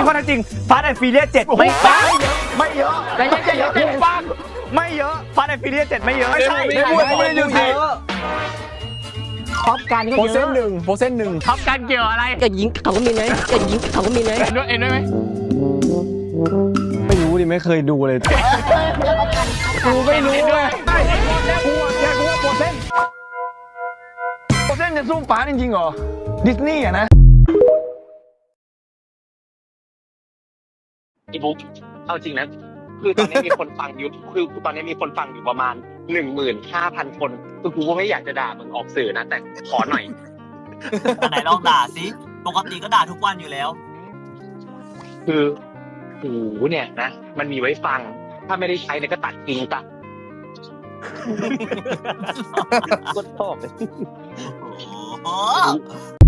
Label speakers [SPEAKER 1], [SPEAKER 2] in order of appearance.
[SPEAKER 1] ข้อเท็จจริงฟาสต์แอนด์ฟิเลีย7ไม่ปัง
[SPEAKER 2] ไม่เยอะ
[SPEAKER 3] ไม่เยอะ
[SPEAKER 2] ไม่ปัง
[SPEAKER 1] ไม่เยอะฟาสต์แอนด์ฟิเลีย7ไม่เยอะ
[SPEAKER 2] ไม่ใช่ไม่พูดไม่ได้ดูสิ
[SPEAKER 3] ท็อปการก็
[SPEAKER 2] โปร
[SPEAKER 3] เย
[SPEAKER 2] เซน
[SPEAKER 3] อะ
[SPEAKER 2] ต์หนึ่งโปรเซนต์หนึ่ง
[SPEAKER 1] ท็อปกันเกี่ยวอะไร
[SPEAKER 3] ก็ยิงเขาก็มีไหมก็ยิงเขาก็มีไหม
[SPEAKER 1] เอ็นด้วยไหม
[SPEAKER 2] ไม่รู้ดิไม่เคยดูเลยกูไม่รู้เลยกูว่าโปรเซนต์จะสู้ฟ้าจริงๆเหรอดิสนีย์อะนะ
[SPEAKER 4] อีบุ๊กเอาจริงนะคือตอนนี้มีคนฟังอยู่คือตอนนี้มีคนฟังอยู่ประมาณ 15,000 คนคือกูก็ไม่อยากจะด่ามึงออกสื่อนะแต่ขอหน่อย
[SPEAKER 5] ไหนลองด่าสิปกติก็ด่าทุกวันอยู่แล้ว
[SPEAKER 4] คือหูเนี่ยนะมันมีไว้ฟังถ้าไม่ได้ใช้เนี่ยก็ตัดทิ้งซะ
[SPEAKER 5] โอ้โห